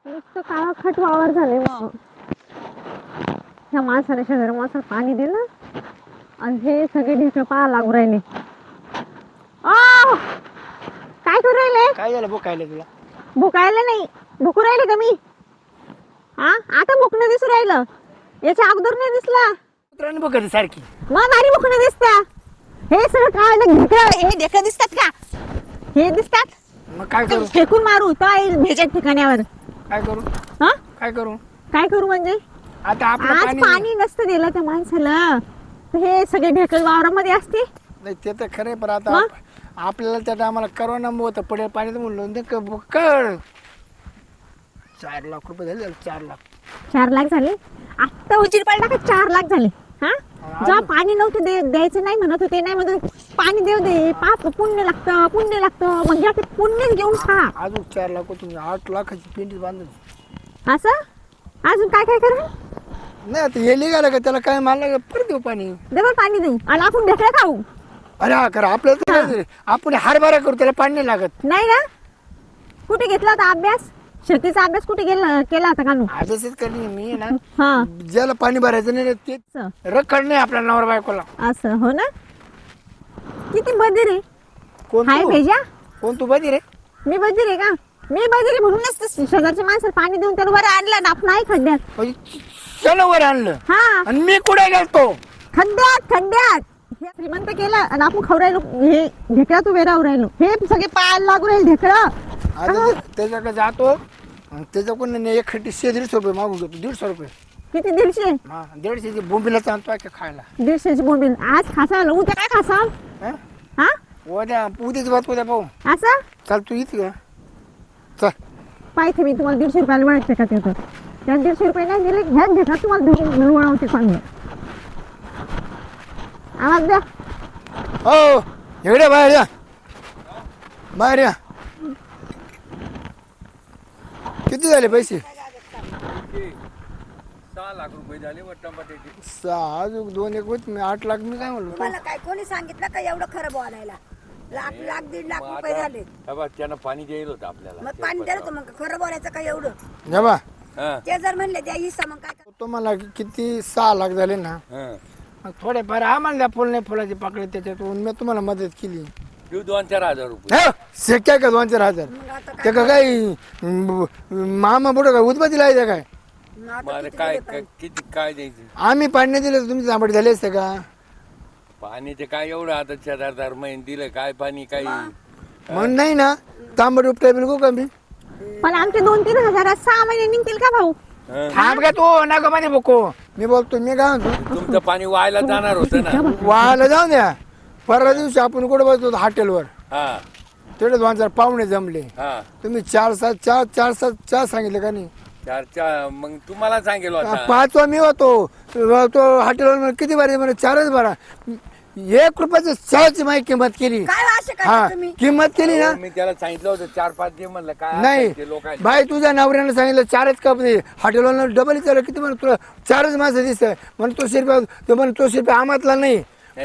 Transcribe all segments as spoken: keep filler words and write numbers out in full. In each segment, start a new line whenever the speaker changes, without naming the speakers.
नुसतं काळाखट वावर झाले मग. ह्या माणसाने शेजारी माणसाला पाणी दिलं आणि हे सगळे ढेकळं पाहा लागू राहिले. ओ काय करू राहिले?
काय झालं भुकायला तुला?
भुकायला नाही, भुकू राहिले का मी? हा आता भुकणं दिसू राहिलं, याच्या अगोदर नाही दिसला.
कुत्र्याने भुकत सारखी.
मग भारी भुकणं दिसत्या. हे सगळं काय ढेकळं, हे ढेकळं दिसतात का? हे दिसतात.
मग काय करू?
फेकून मारू काय भेजत ठिकाण्यावर.
काय करू?
हा
काय करू?
काय करू म्हणजे
आता आपलं
आज
पाणी
पाणी नसतं दिलं त्या माणसाला तर हे सगळे ढेकळ वावरामध्ये असते.
नाही ते तर खरं पण आता
मग?
आप- आपल्याला त्या टायमाला करोना होतं पडेल पाणी तर म्हणलं ते क- बुक्कड चार लाख रुपये झाले चार लाख.
चार लाख झाले आत्ता उशीर पडला का चार लाख झाले. हा जेव्हा पाणी नव्हतं दे द्यायचं नाही म्हणत होते, नाही म्हणत होते, पाणी देऊ दे पाप पुण्य लागतं पुण्य लागतं म्हणजे आता पुण्यच घेऊन खा.
अजून चार लाख तुम्ही आठ लाखाची पेंटी बांधून
असं अजून काय काय करा.
नाही आता हे निघालं का त्याला काय मानलं परत देऊ पाणी.
डबल पाणी देऊ आणि आपण ढेकळं खाऊ.
अरे हा करा आपल्याला तर काय झालं? आपण हरभरा करू त्याला पाणी नाही लागत.
नाही ना कुठे घेतला होता अभ्यास? शेतीचा अभ्यास कुठे गेला केला होता का नू?
अभ्यासच करणे मी आहे ना.
हा
ज्याला पाणी भरायचं नाही ते
असं
रखड नाही आपल्या नवरा बायकोला.
असं हो ना. किती बधीर आहे.
कोण
हाय
तू?
भेजा
कोण तू बधी रे?
मी बधीर आहे का? मी बधीर आहे म्हणूनच तर शेजारच्या माणसाला पाणी देऊन त्याला बरं आणलं ना आपण नाही खड्ड्यात.
म्हणजे त्याला वर आणलं
हा
आणि मी कुठे गेलतो?
खड्ड्यात खड्ड्यात हे श्रीमंत केलं आणि आपण खाऊ राहिलो हे ढेकळात उभे राहू राहिलो. हे सगळे पायाला लागू राहील ढेकळं.
आता ते- त्याच्याकडे जातो आणि त्याच्याकडून एक खट्टी शे दीडशे रुपये मागून घेतो. दीडशे रुपये
किती दीडशे
हा दीडशेची बोंबीला आणतो का खायला.
दीडशेची बोंबील आज खासाल उद्या काय खासाल?
हं?
हा
उद्या उद्याच बात उद्या पाहू.
असं
चाल तू इथे का चल.
पाहिजे मी तुम्हाला दीडशे रुपयाला मिळते का तिथं त्या दीडशे रुपये नाही दिले ह्याच ढेकळात तुम्हाला धरून वळवते चांगलं. आवाज द्या.
हो इकडे बाहेर या बाहेर या. किती झाले पैसे?
सहा लाख रुपये झाले व टमाट्याचे.
सहा अजून दोन एक होत मी आठ लाख मी काय म्हणलो.
तुम्हाला काय कोणी सांगितलं का एवढं खरं बोलायला? लाख लाख दीड लाख
मग
रुपये
आता-
झाले.
हे बघ, त्यानं पाणी द्यायला होतं आपल्याला.
मग पाणी द्यायला होतं मग खरं बोलायचं का एवढं?
जेव्हा
हं,
ते जर म्हणले द्या हिस्सा मग काय
तुम्हाला किती सहा लाख झाले ना
हं.
मग थोडेफार आम्हाला द्या फुल नाही फुलाची पाकळी त्याच्यातून मी तुम्हाला मदत केली.
देऊ दोन चार हजार रुपये.
हे शक्य का दोन चार हजार?
मग आता
ते का काही मामा बुडं काय उदबत्ती लावायचं काय?
मग आता
मग आता
किती
काय
दिले
काय-
पाहिजे?
किती काय द्यायचं?
आम्ही पाणी नाही दिलं तर तुमची जांभळी झाली असते का?
पाणी ते काय एवढं आता चार हजार महिने दिलं काय पाणी काही.
म्हणून नाही ना तांबड उपटाय बिलकू का मी
पण आमचे दोन तीन हजारात सहा महिने निघतील का भाऊ?
हं.
थांब का तू नका मध्ये बको मी बोलतो मी काय म्हणतो
तुमचं पाणी व्हायला जाणार होतं ना.
वाला जाऊन द्या. परवा दिवशी आपण कुठे बसतो हॉटेलवर
हा
तेवढे दोन चार पाहुणे जमले
हा
तुम्ही चार सात चार चार सात चार सांगितले का नाही?
चार चार मग तुम्हाला सांगेल होता.
पाचवा मी होतो तो हॉटेलवर म्हणे, किती बारा म्हणे चारच बारा एक रुपयाचं चहाची माझी किंमत केली.
काय असे
हा
करता तुम्ही?
किंमत केली ना.
हो, मी त्याला सांगितलं होतं चार पाच दे म्हणलं काय
नाही
लोक
बाई तुझ्या नवऱ्यानं सांगितलं चारच कप दे. हॉटेलवर डबल विचारलं किती म्हणून तुला चारच माणसं दिसत म्हणून तो शिरपा तो म्हणे तो शिरपा आमातला नाही.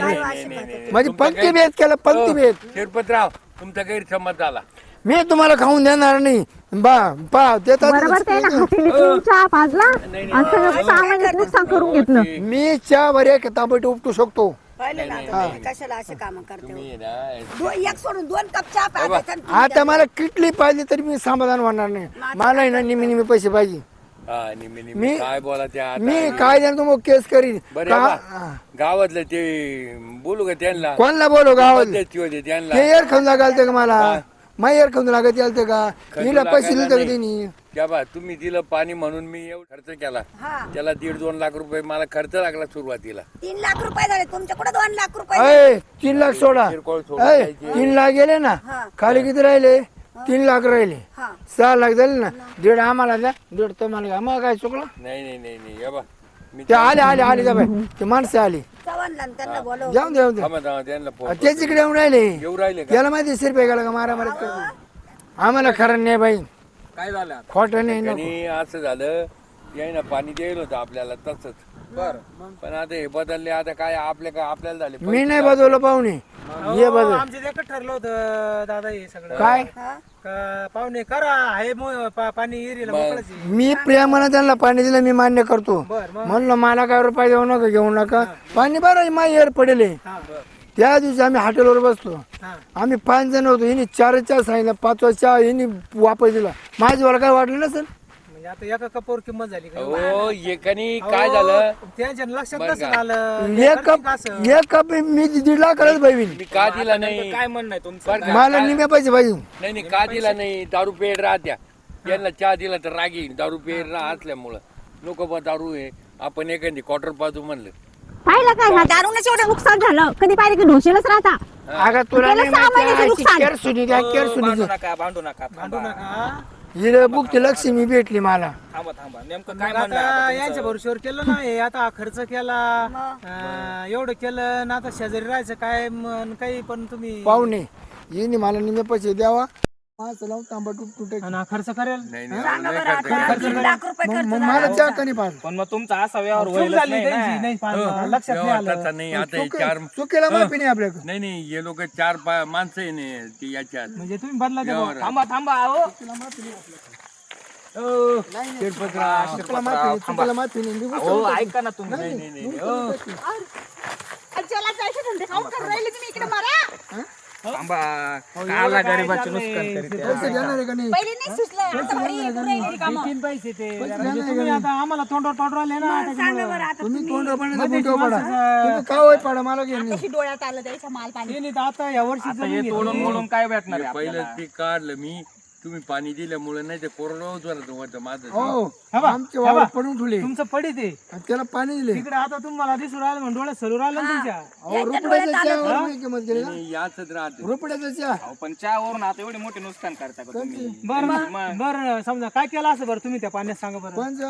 म्हणजे पंक्ती भेद केला पंक्ती भेद.
शिरपतराव तुमचा गैरसमज झाला.
मी तुम्हाला खाऊन देणार नाही. बा पा
बरोबर ते ना
देतात
हॉटेल चहा पाजला आणि सगळं सहा महिन्यात नुकसान करून घेतलं.
मी चहा वर एक तांबट उपटू शकतो.
पाहिलं ना आता तुम्ही कशाला असे काम करते हो?
तुम्ही ना
दो- एक सोडून दोन कप चहा प्यायचा आणि तुम्ही
आता मला किटली पाहिजे तरी मी समाधान होणार नाही. मला आहे ना निमी निमी पैसे पाहिजे.
हा, निम्मी निम्मी
मी-
काय बोला त्या
मी काय देणार तुम्हाला केस करीन
बरं
का-
बा, गावातलं ते बोलू का त्यांना
कोणला बोलो गावात
मध्यस्थी होते त्यांना
ते एअर खाऊन लागायचं का मला मग एअर खाऊन लागत यालतं का
खर्च
हिला पैसे
लागायला
दिले का
नाही.
त्यांनी?
त्या बा तुम्ही दिलं पाणी म्हणून मी एवढं खर्च केला.
हा
त्याला दीड दोन लाख रुपये मला खर्च लागला सुरुवातीला.
तीन लाख रुपये झाले तुमच्याकडे दोन लाख रुपये झाले.
अय तीन लाख सोडा.
किरकोळ सोडून
अय
द्यायचे.
तीन लाख गेले ना
हा.
खाली किती राहिले? तीन लाख राहिले.
हा
सहा लाख झाले ना दीड आम्हाला द्या दीड तुम्हाला घ्या. मग काय चुकलं?
नाही नाही नाही नाही हे बा मी
ते आले आले आले जा बाई ते माणसं आली
चव्हाणला आणि त्यांना बोलव
जाऊन द्या द्या
थांबा थांबा त्यांना फोन करतो.
त्याच इकडे येऊन राहिले.
येऊ राहिले का
याला माहिती शिरपे गेला का मारा मारत करतो. आम्हाला खरं नाही बाई
काय झालं
खोटं नाही नको.
आणि असं झालं याय ना पाणी द्यायला होतं आपल्याला तसंच पण आता हे बदलले आता काय आपल्या काय आपल्याला झाले
मी नाही बदललं पाहुणे ये बदल
आमचं एकच ठरलं होतं दादा हे सगळं
काय
का पाहुणे करा हे मो- पा- पाणी एरियाला मोकळच आहे.
मी प्रेमानं त्यांना पाणी दिलं मी मान्य करतो
बर मग
म्हणलं मला काय रुपये देऊ नका घेऊ नका पाणी बरं माझी एर पडेल
हा बर
त्या दिवशी आम्ही हॉटेलवर बसतो
हा
आम्ही पाच जण होतो हिने चार चहा सांगितलं पाचवा चहा हिने वापस दिला माझ्यावर काय वाटलं नसेल
म्हणजे आता एका कपावर किंमत झाली का
हो एकानी काय झालं
त्यांच्या लक्षात
बरं
नसेल
का?
आलं
एक कप एक कप मी दीड लाख करायच पाहिजे
मी का दिला नाही
काय म्हणणं आहे तुमचं
बरं का?
मला निम्या पाहिजे पाहिजे
नाही नाही का दिला नाही दारू पेड राहत्या यांना चहा दिला तर रागी दारू पेड राह असल्यामुळं लोक बा दारू आहे आपण एखादी क्वार्टर पाजू म्हणलं
पाहिलं काय ह्या दारूनच एवढं नुकसान झालं कधी पाहिजे की ढोशेलच राहता
अगं तुला
गेलं
नाही
सहा महिन्याचं
माहिती
नुकसान.
केअर सुनी द्या केअर
भांडू
सुनी
नका भांडू नका
भांडू
थांबा
नका
हिला बुकची लक्ष्मी भेटली मला
थांबा थांबा नेमकं काय
मग
म्हणणं आहे
आता
आता
यांच्या
तुमचं?
भरोश्यावर केलं ना हे आता हा खर्च केला अं, एवढं केलं ना आता शेजारी राहायचं काय मन काही पण तुम्ही
पाहुणे हिने मला निम्या पैसे द्यावा माझं लावून तांबा तुट तुटे
आणि हा खर्च करेल
नाही नाही
सांगा
नाही
बरं
खर्च
आता
करायचा.
दीड लाख रुपये खर्च
मग
झाला.
मला चहा कणी पाहिजे
पण मग तुमचा असा व्यवहार
चूक
होईल
झाली
नाही
त्यांची
ना.
नाही पाहिलं.
हो,
लक्षात नाही आलं
व्यवहाराचा नाही आता हे चार
चुकीला माफी नाही आपल्याकडे
नाही नाही हे लोक चार पा- माणसं आहे ना ती याच्यात
म्हणजे तुम्ही बदला द्या
व्यवहार.
थांबा थांबा अहो
चुकीला माफी नाही, चुकीला माफी नाही मी
हो ऐका ना तुम्ही
नाही नाही नाही हो.
थांबा काला गरीबाचे नुकसान करीत आहे.
पैसे देणार आहे का नाही
तीन पैसे ते म्हणजे तुम्ही आता आम्हाला तोंडावर तोंडावर आले ना
सांगा बरं आता
तुम्ही तोंड पाण्याचा गुंठा पडा तुम्ही का होय पडा मला घेऊन नाही.
डोळ्यात आलं त्याच्या माल पाणी
ते नाही तर आता या वर्षी
आता हे तोडून मोडून काय भेटणार आहे
पहिलं
आपल्याला?
ते काढलं मी तुम्ही पाणी दिल्यामुळे नाही ते कोरडं होतं होतं माझं
हो
हा बा,
आमचे
हा
वावर
बा.
पडून ठेवले
तुमचं पडी ते
आणि त्याला पाणी दिले
तिकडे आता तुम्हाला दिसून राहिलं म्हणून डोळ्यात सरू राहिलं ना तुमच्या
अहो रुपड्याचा चहा मी किंमत केली ना
नाही, याचंच राहते
रुपड्याचा चहा
अहो, पण चहावरून आता एवढे मोठे नुकसान करता का तुम्ही
बरं बरं समजा काय केलं असं बरं तुम्ही त्या पाण्यात सांगा बरं
पंच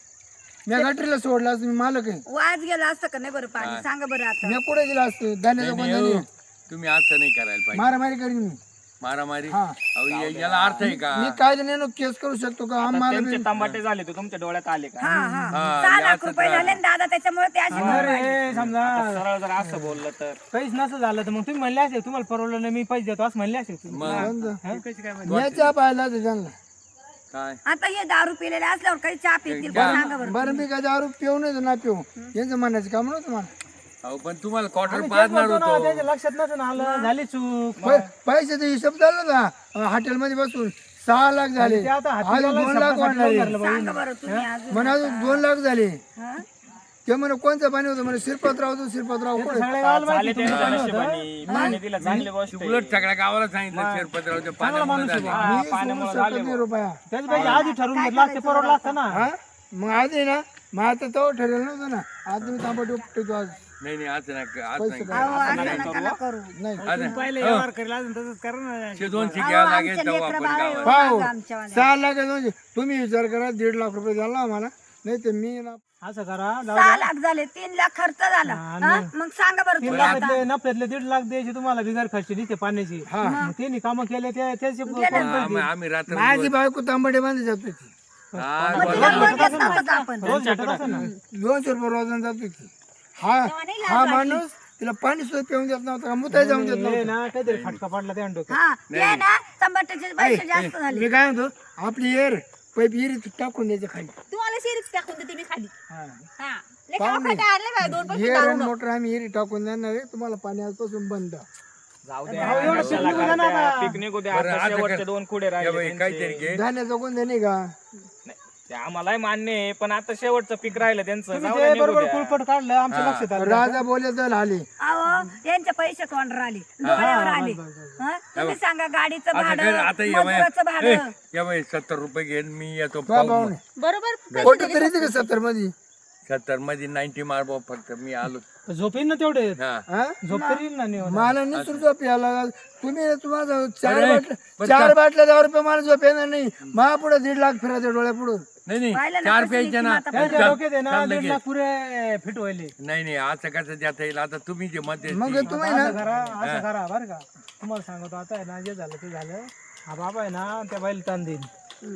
मी गटरीला सोडला असं मी मालक आहे
वाज गेला असतं का नाही बरं पाणी सांगा बरं आता
मी कुठे गेला असतो धान्याचा
नाही,
कोण
हो. तुम्ही असं नाही करायला पाहिजे
मारामारी करीन मी
मारामारी
हा.
अहो, या- याला अर्थ आहे का
मी काय नाही केस करू शकतो का आम्हाला
त्यांचे तांबाटे झाले तर तुमच्या डोळ्यात आले का
हा हा
हा,
सहा लाख
याचंच
रुपये झाले ना दादा त्याच्यामुळे ते अशी
बरं हे समजा
सरळ जर असं बोललं तर
काहीच नसं झालं तर मग तुम्ही म्हणले असेल तुम्हाला परवडलं नाही मी पैसे देतो असं म्हणले असेल तुम्ही हा? कशी काय म्हणले?
मी चहा पाहिला तर त्यांना
काय
आता हे दारू पिलेले असल्यावर काही चहा पितील का सांगा बरं
बरं मी काय दारू पिऊ नाही तर ना पिऊ यांचं म्हणायचं काम नव्हतं मला
अहो पण तुम्हाला क्वार्टर
तेच
पाजणार
म्हणतो ना,
होतो
त्याच्या लक्षात नसून आलं झाली चूक
पै- पैशाचा हिशोब झाला ना हॉटेलमध्ये बसून सहा लाख झाले
ते आता
आज
हातीला
दोन लाख
शब्दासाठी
वाढणारे
धरलं बाई.
सांगा बरं तुम्ही अजून
म्हणा अजून दोन लाख झाले
हा?
ते म्हणे कोणतं पाणी होतं म्हणे शिरपतराव होतं शिरपतराव कुठे
सगळे गावाला
झाले
माहिती
त्यांच्या
तुम्ही सांगत होता.
नशिबाने पाणी दिलं चांगली गोष्ट आहे.
उलट सगळ्या गावाला सांगितलं शेरपतरावच्या पाण्यामुळे झाले.
हा,
मी सोडू
पाण्यामुळे
शकत
झाले
नाही रुपया
त्याच्यापेक्षा आधी ठरवून घेतलं असते परवडलं असतं ना
हा मग आज आहे ना मग आता तो ठरेल नव्हतं ना आज तुम्ही तांबट उपटतो आज
नाही नाही असं नाही आज नाही
अहो, असं नका ना करू
नाही
आज
पहिले व्यवहार करेल अजून तसंच करा ना
शे दोनशे
अहो,
घ्यावं
आमचे
लागेल तेव्हा
लेकरं
आपण
बाळ
गावात
पाहू
एवढं आमच्या वाल्या.
सहा लाख म्हणजे तुम्ही विचार करा दीड लाख रुपये द्याला आम्हाला नाही तर मी ना
असं करा जाऊ
सहा लाख झाले तीन लाख खर्च झाला हा? मग सांगा बरं
तीन
तुम्ही आता
लाखातले नफ्यातले दीड लाख द्यायचे तुम्हाला बिगार खर्च दिसते पाण्याची मग त्यांनी कामं केले ते त्याचे
आम्ही आम्ही रात्र
माझी बायको तांबटे बांधली जातो की
हा,
मग तिला कोण देत नव्हतं आपण
रोज भेटत असेल ना
दोनशे रुपये रोजानं जातो की हा हा माणूस तिला पाणी सुद्धा पिऊन देत नव्हता का मुताय जाऊन देत
हे
नव्हता
ना काहीतरी फटका पडला त्या डोक्यात
हा ते ना टमाट्याचे पैसे जास्त झाले
मी काय म्हणतो आपली एअर पैप इरीत टाकून द्यायचं खाली
तुम्हाला शेरीच टाकून देते मी खाली
हा.
हा लय खाऊ खाऊ आणले बाय दोन पैसे
एअर आणि मोटर आम्ही इरी टाकून देणार आहे तुम्हाला पाणी आजपासून बंद
जाऊ द्या कशाला करताय? पीक निघू द्या
बरं,
आता
आता
शेवटचे
कर.
दोन खुडे
या
राहिले
बाई,
त्यांचे.
काहीतरी घे
धान्याचं कोण नाही का
नाही, ते आम्हालाही मान्य आहे पण आता शेवटचं पीक राहिलं त्यांचं
तुम्ही
जाऊ द्या
ते
निघू
बरोबर
द्या.
कुलपट काढलं आमच्या लक्षात आलं
राजा बोलले तर आले
अहो त्यांचे पैसे तोंडावर आले डोळ्यावर आले हा? तुम्ही सांगा गाडीचं
आता
भाडं
कर आता या बाई
मजुराचं
ए,
भाडं
या बाई सत्तर रुपये घेऊन मी येतो
बा
पाहून
पाहुणे
बरोबर
फोटो तरी येते का सत्तर मध्ये
सत्तर मध्ये नाईन्टी मारबो फक्त मी आलो
झोपेन ना तेवढे
हा
हा
झोप तरी येईल ना निवांत.
मला निसरून झोप यायला तुम्ही तुम्हाला चार
अरे,
बाटल्या
पण
चार बाटल्या दहा रुपये मला झोप येणार नाही मा पुढे दीड लाख फिरायचं डोळ्या पुढं
नाही नाही
पाहिलं ना
चार
कसं
प्यायचे ना
नीतिमत्ता
त्यांच्या
चल,
डोक्यात आहे ना
चल
दीड
लगेच.
लाख पुरे फिट व्हायले
नाही नाही असं कसं देता येईल आता तुम्ही जे मत
मग तुम्ही ना
असं करा असं करा बरं का तुम्हाला सांगतो आता आहे ना जे झालं ते झालं हा बाबा आहे ना त्या बाईला ताण देईन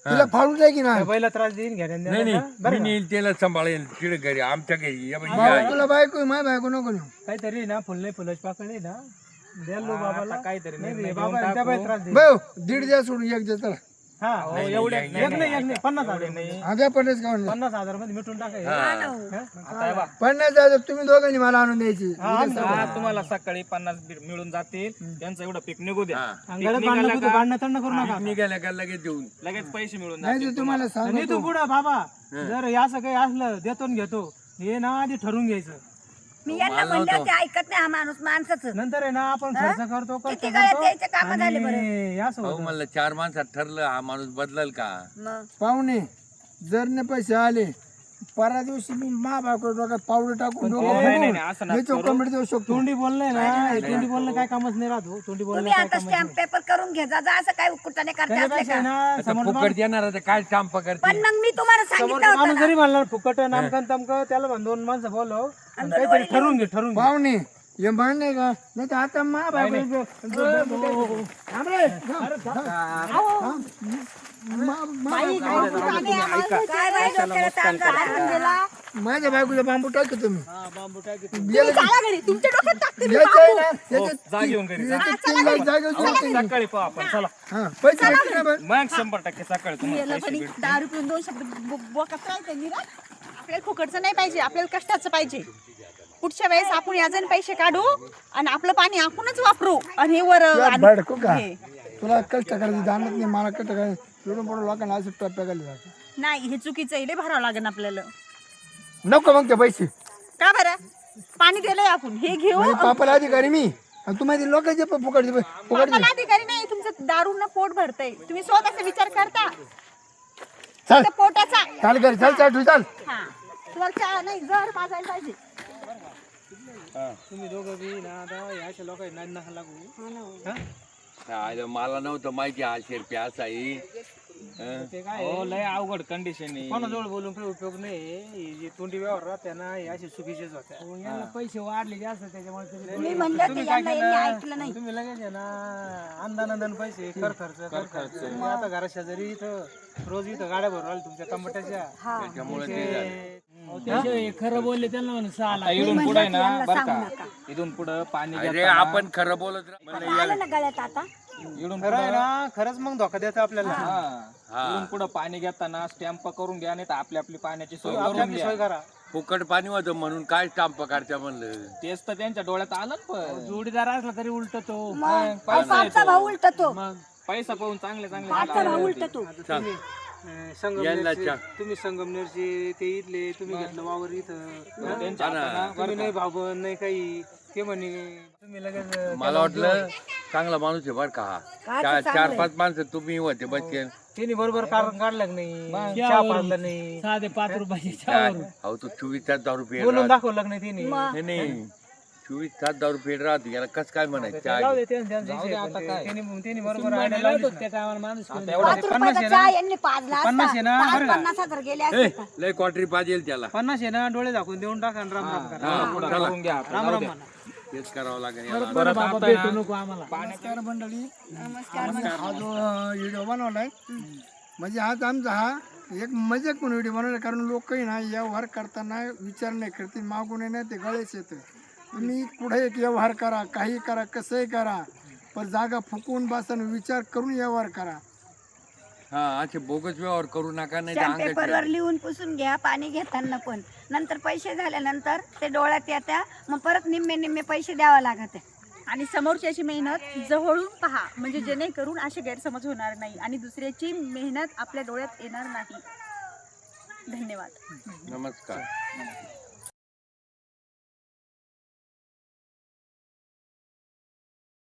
तिला फाडून जाय की ना
त्या बाईला त्रास देईन घ्या
नाही नाही मी नेईल त्याला सांभाळेल तिकडे घरी आमच्या घरी या बाई, ही आहे.
तुला बायको माय बायको नको नेऊ.
काहीतरी ना फुल नाही फुलाची पाकळी ना द्या लो बाबाला
आता काहीतरी
नाही
निर्णय
रे,
घेऊन
बाबा त्या
टाकू.
बाई त्रास देईन.
भाऊ दीड द्या सोडून एक द्या चला
हा
एवढ्या
एक नाही एक नाही पन्नास हजार नाही
आध्या पन्नास का म्हणलं
पन्नास हजार मध्ये मिटून टाकायचं
आता हे बघ,
पन्नास हजार तुम्ही दोघांनी मला आणून द्यायची
हा, तुम्हाला सकाळी पन्नास बी- मिळून जातील त्यांचं एवढं पीक निघू द्या
हा.
आणि घरात भांडणं कुठं भांडणं तंड करू नका
निघाल्या का लगेच देऊन
लगेच पैसे मिळून
नाही
जातील
तर तुम्हाला
आणि
सांगतो
तू पुढं बाबा जर हे असं काही असलं देतो न घेतो हे ना आधी ठरवून घ्यायचं
मी यांना म्हणलं ते ऐकत नाही हा माणूस माणसाच
नंतर आहे ना आपण खर्च करतो खर्च
किती गळ्यात
करतो
यायचे काम झाले बरं
आणि हे असं
भाऊ
होतं.
म्हणलं चार माणसात ठरलं हा माणूस बदलल का
मग
पाहुणे जर ने पैसे आले परा दिवशी मी मा बायको डोक्यात पावडं टाकून डोकं
नाही, नाही,
फुगवून
असं नका
मी चौकंबीत देऊ शकतो
तोंडी बोलणं ना हे तोंडी बोलणं काय कामच नाही राहतो तोंडी बोलणं
तुम्ही
काय
आता
कामच
स्टॅम्प पेपर करून घे जा जा, असं काय कुठाने करते असले
त्याच्यापेक्षा
का
आहे ना
आता
समोर
फुकट देणार आता काय स्टाम्प करते
पण मग मी तुम्हाला
समोर
सांगितलं होतं
माणूस
ना.
जरी म्हणला फुकट नामकन तमकं त्याला म्हण दोन माणसं बोलव आणि काहीतरी ठरवून घे ठरवून घे
पाहुणे हे मान्य का नाही तर आता मा बायको थांब रे. मा- मा-
काय बाई डोक्याला ताण झाला गेला.
माझ्या बायकोला बांबू टाकतो तुम्ही
बांबू टाकी
चला घरी तुमच्या डोक्यात टाकते
याचं आहे ना, याचं-
जा घेऊन घरी जा.
याचं तीन लाख जागेवर जोडते.
सकाळी पाहू आपण चला
हा, पैसे भेटतील ना बरं?
मग शंभर टक्के सकाळी तुम्हाला
गेलं
पैसे
पण
भेटतील.
दहा रुपये दोन शब्द बो- बोकात राहते निरा आपल्याला फुकटचं नाही पाहिजे आपल्याला कष्टाचं पाहिजे पुढच्या वेळेस आपण याजन पैसे काढू आणि आपलं पाणी आपणच वापरू आणि हे वर
तुला
आणू.
भडकू का
हे.
तुला कष्ट करायची जाणत नाही मला कष्ट करायचं एवढं मोठं लोकांना असं टप्प्या खाली जातं.
नाही हे चुकीचं आहे लय भरावं लागेल आपल्याला
नको मग ते पैसे
का बरं पाणी दिलंय आपण हे घेऊ
म्हणजे पापाला अधिकारी मी आणि तुम्हाला लोकांचे पण फुकट फुकट
पापाला अधिकारी नाही तुमचं दारून पोट भरतय तुम्ही स्वतःचा विचार करता
चल
फक्त पोटाचा
चाल घरी चल चाल चाल
हा तुम्हाला चहा नाही जर पाजायला पाहिजे
तुम्ही दोघं बी ना आता ह्या लोकांना नका लागू हा?
आयलं मला नव्हतं माहिती हा शेरपी असा आहे हं?
ते काय
हो लय अवघड कंडिशन आहे
कोणाजवळ बोलून काही उपयोग नाही हे जे तोंडी व्यवहार राहते ना हे असे चुकीचेच होते यांना पैसे वाढले जास्त त्याच्यामुळे तुम्ही-
मी म्हणलं ते यांना यांनी ऐकलं नाही
तुम्ही लगेच आहे ना अंदानंदान पैसे कर खर्च कर खर्च तुम्ही आता घरा शेजारी इथं रोज इथं गाड्या भरून आल्या तुमच्या टमाट्याच्या
त्याच्यामुळे ते झालं.
खरं बोलले त्यांना म्हणून सहा
आता इथून पुढे ना बरं का इथून पुढे पाणी
अरे
घेताना-
आपण खरं बोलत राह- म्हणलं
आलं ना गळ्यात आता
इथून
खरं आहे ना खरंच मग धोका देतं आपल्याला
हा. इथून पुढे पाणी घेताना स्टॅम्प करून घ्या नाही तर आपली आपली पाण्याची सोय
आपली
करून
आपली
घ्या
सोय करा
फुकट पाणी होतं म्हणून काय स्टाम्प करत्या म्हणलं
तेच तर त्यांच्या डोळ्यात आलं ना पण
जोडीदार असला तरी उलट तो
मग पाचचा भाऊ उलट तो
पैसा पाहून चांगले चांगले
पाचचा भाऊ उलट तो
चाल.
अं, संगमनेरचे तुम्ही संगमनेरचे ते इथले तुम्ही घेतलं वावर इथं
त्यांच्या हातानं
तुम्ही नाही भाऊ नाही काही ते म्हणे तुम्ही लगेच अं,
मला वाटलं चांगला माणूस आहे बरं का हा चार चार पाच माणसं तुम्ही होते बसचे
त्यांनी बरोबर कारण काढलं का नाही चहा पाजलं नाही साधे पाच रुपयाचे
अहो तो चोवीस तास दारू पेड
बोलून
राहत
दाखवलं का नाही त्यांनी
नाही नाही चोवीस तास दारू पेड राहते याला कस काय म्हणायचं
जाऊ
चहा
दे त्यांचं- त्यांचं विषय, पण ते- त्यांनी त्यांनी बरोबर idea लावलीच ना.
पाच रुपयाचा चहा यांनी पाजला
पन्नास आहे ना,
असता.
बरं का?
पाच पन्नास हजार गेले
ए,
असते
लय क्वाटरी पाहिजे त्याला
पन्नास आहे ना डोळे दाखवून देऊन टाका आणि राम राम करा
हा,
पुढं
चला.
करून घ्या आपण.
राम
जाऊ
राम
द्या.
म्हणा.
तेच करावं लागेल याला.
परत आता ना-
नमस्कार मंडळी हा जो व्हिडिओ बनवलाय म्हणजे आज आमचा हा एक मजाक म्हणून व्हिडिओ बनवला कारण लोक ना व्यवहार करताना विचार नाही करतील मागून नाही ते गळेच येतं तुम्ही कुठे एक व्यवहार करा काही करा कसंही करा पण जागा फुकवून बसताना विचार करून व्यवहार करा
हा असे बोगस व्यवहार करू नका नाही तर
स्टॅम्प
अंगात
पेपरवर लिहून पुसून घ्या पाणी घेताना पण नंतर पैसे झाल्यानंतर ते डोळ्यात येत्या मग परत निम्मे निम्मे पैसे द्यावं लागत आहे
आणि समोरच्याची मेहनत जवळून पहा म्हणजे जेणेकरून असे गैरसमज होणार नाही आणि दुसऱ्याची मेहनत आपल्या डोळ्यात येणार नाही धन्यवाद
नमस्कार